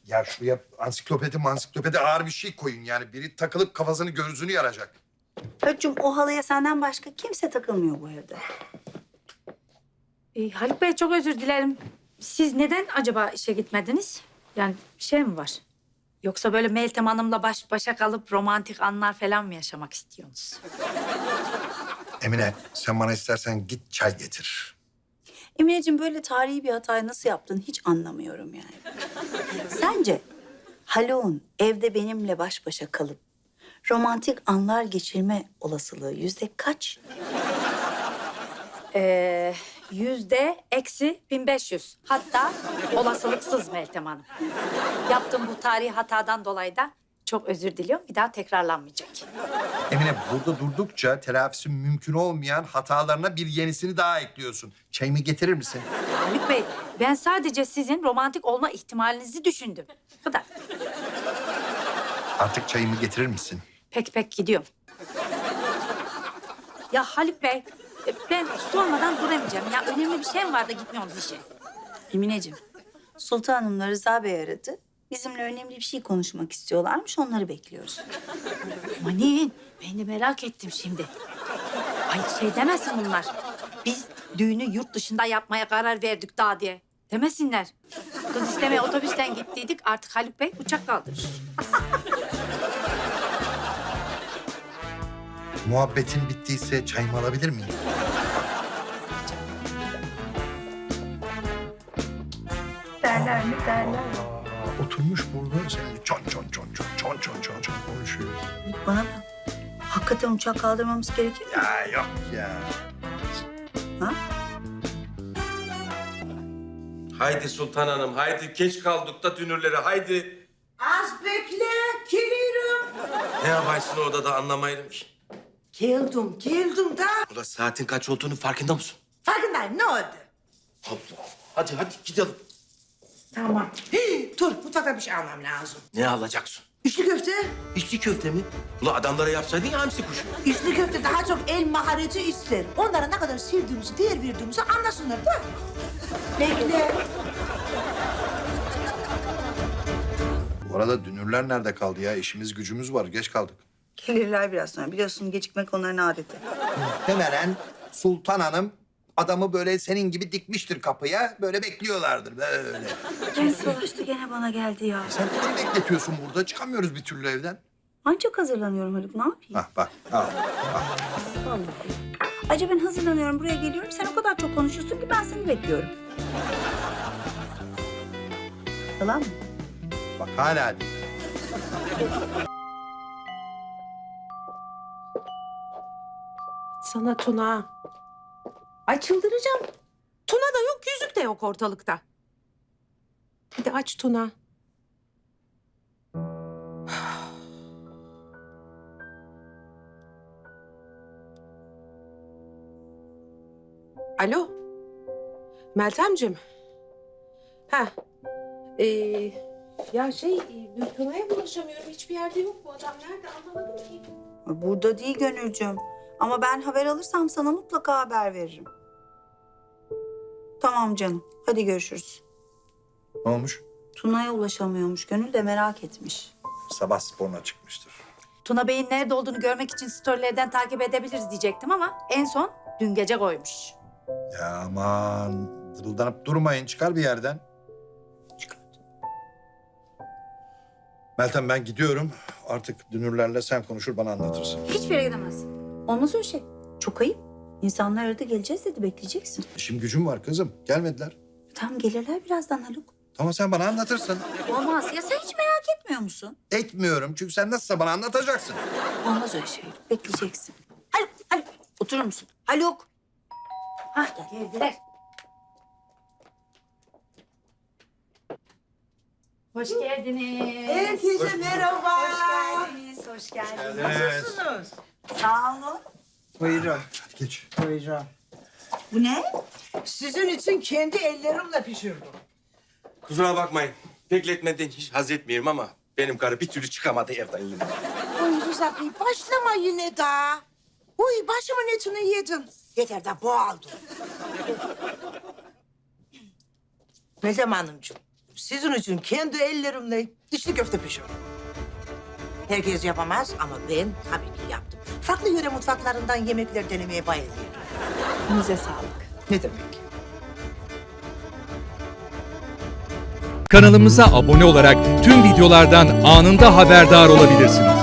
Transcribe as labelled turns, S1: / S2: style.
S1: Ya şuraya ansiklopedi ağır bir şey koyun yani. Biri takılıp kafasını gözünü yaracak.
S2: Haluk'cum o halıya senden başka kimse takılmıyor bu evde.
S3: Haluk Bey çok özür dilerim. Siz neden acaba işe gitmediniz? Yani bir şey mi var? Yoksa böyle Meltem Hanım'la baş başa kalıp romantik anlar falan mı yaşamak istiyorsunuz?
S1: Emine sen bana istersen git çay getir.
S2: Emineciğim böyle tarihi bir hatayı nasıl yaptın hiç anlamıyorum yani. Sence Haluk'un evde benimle baş başa kalıp romantik anlar geçirme olasılığı yüzde kaç?
S3: %-1500. Hatta olasılıksız Meltem Hanım. Yaptığım bu tarihi hatadan dolayı da çok özür diliyorum. Bir daha tekrarlanmayacak.
S1: Emine burada durdukça telafisi mümkün olmayan hatalarına bir yenisini daha ekliyorsun. Çayımı getirir misin?
S3: Haluk Bey, ben sadece sizin romantik olma ihtimalinizi düşündüm. Bu kadar.
S1: Artık çayımı getirir misin?
S3: Pek gidiyorum. Ya Haluk Bey, ben sormadan duramayacağım. Ya önemli bir şey mi var da gitmiyorsunuz işe?
S2: Emineciğim, Sultan Hanım'la Rıza Bey aradı. Bizimle önemli bir şey konuşmak istiyorlarmış, onları bekliyoruz.
S3: Manin, ben de merak ettim şimdi. Ay şey demesin bunlar. Biz düğünü yurt dışında yapmaya karar verdik daha diye. Demesinler. Kız istemeye otobüsten gittiydik. Artık Haluk Bey uçak kaldırır.
S1: Muhabbetin bittiyse çayımı alabilir miyim?
S2: Derler mi derler.
S1: Oturmuş burada sen çon konuşuyor.
S2: Bana bak, hakikaten uçak kaldırmamız gerekir mi?
S1: Ya yok ya.
S2: Ha?
S4: Haydi Sultan Hanım, haydi geç kaldık da dünürlere, haydi.
S5: Az bekle, geliyorum.
S4: Ne yaparsın orada da anlamayırım ki.
S5: Geldim da.
S4: Ulan saatin kaç olduğunu farkında mısın?
S5: Farkındayım, ne oldu?
S4: Allah. Hadi gidelim.
S5: Tamam. Hii, dur, mutfakta bir şey almam lazım.
S4: Ne alacaksın?
S5: İçli köfte.
S4: İçli köfte mi? Ulan adamlara yapsaydın ya hamsi kuşu.
S5: İçli köfte daha çok el mahareti ister. Onlara ne kadar sevdiğimizi, değer verdiğimizi anlasınlar da. Bekle.
S1: Bu arada dünürler nerede kaldı ya? İşimiz gücümüz var. Geç kaldık.
S2: Gelirler biraz sonra. Biliyorsun gecikmek onların adeti.
S1: Muhtemelen Sultan Hanım adamı böyle senin gibi dikmiştir kapıya. Böyle bekliyorlardır böyle.
S2: Gene savaştı, gene bana geldi ya.
S1: Sen beni bekletiyorsun burada. Çıkamıyoruz bir türlü evden.
S2: Ancak hazırlanıyorum Haluk, ne yapayım?
S1: Hah bak. Al.
S2: Vallahi. Acaba ben hazırlanıyorum, buraya geliyorum. Sen o kadar çok konuşuyorsun ki ben seni bekliyorum. Yalan mı?
S1: Bak hala değil.
S6: Sana Tuna. Ay çıldıracağım. Tuna da yok, yüzük de yok ortalıkta. Hadi aç Tuna. Alo. Meltemciğim. Ha. Ya Tuna'ya ulaşamıyorum. Hiçbir yerde yok bu adam. Nerede anlamadım ki.
S2: Burada değil Gönülcüm. Ama ben haber alırsam sana mutlaka haber veririm. Tamam canım. Hadi görüşürüz.
S1: Ne olmuş?
S2: Tuna'ya ulaşamıyormuş. Gönül de merak etmiş.
S1: Sabah sporuna çıkmıştır.
S3: Tuna Bey'in nerede olduğunu görmek için storylerden takip edebiliriz diyecektim ama en son dün gece koymuş.
S1: Ya aman dırıldanıp durmayın. Çıkar bir yerden.
S2: Çıkart.
S1: Meltem ben gidiyorum. Artık dünürlerle sen konuşur bana anlatırsın.
S2: Hiçbir yere gidemezsin. Olmaz öyle şey. Çok ayıp. İnsanlar aradı, geleceğiz dedi, bekleyeceksin.
S1: İşim gücüm var kızım. Gelmediler.
S2: Tamam, gelirler birazdan Haluk.
S1: Tamam sen bana anlatırsın.
S2: Olmaz. Ya sen hiç merak etmiyor musun?
S1: Etmiyorum çünkü sen nasılsa bana anlatacaksın.
S2: Olmaz öyle şey. Bekleyeceksin. Haluk, Haluk. Oturur musun? Haluk.
S3: Hah geldiler. Hoş geldiniz.
S5: Herkese merhaba.
S2: Hoş geldiniz.
S5: Nasılsınız?
S2: Sağ olun.
S5: Buyurun,
S1: Hadi geç.
S5: buyurun.
S2: Bu ne?
S5: Sizin için kendi ellerimle pişirdim.
S4: Kusura bakmayın. Bekletmeden hiç haz etmiyorum ama benim karı bir türlü çıkamadı evden yine.
S5: Oy Rıza Bey, başlama yine daha. Uy, başımın etini yedim. Yeter de boğaldım. Meltem Hanımcığım, sizin için kendi ellerimle içli köfte pişirdim. Herkes yapamaz ama ben tabii ki yaptım. Farklı yöre mutfaklarından yemekler denemeye bayılıyorum.
S2: Elinize sağlık.
S5: Ne demek?
S7: Kanalımıza abone olarak tüm videolardan anında haberdar olabilirsiniz.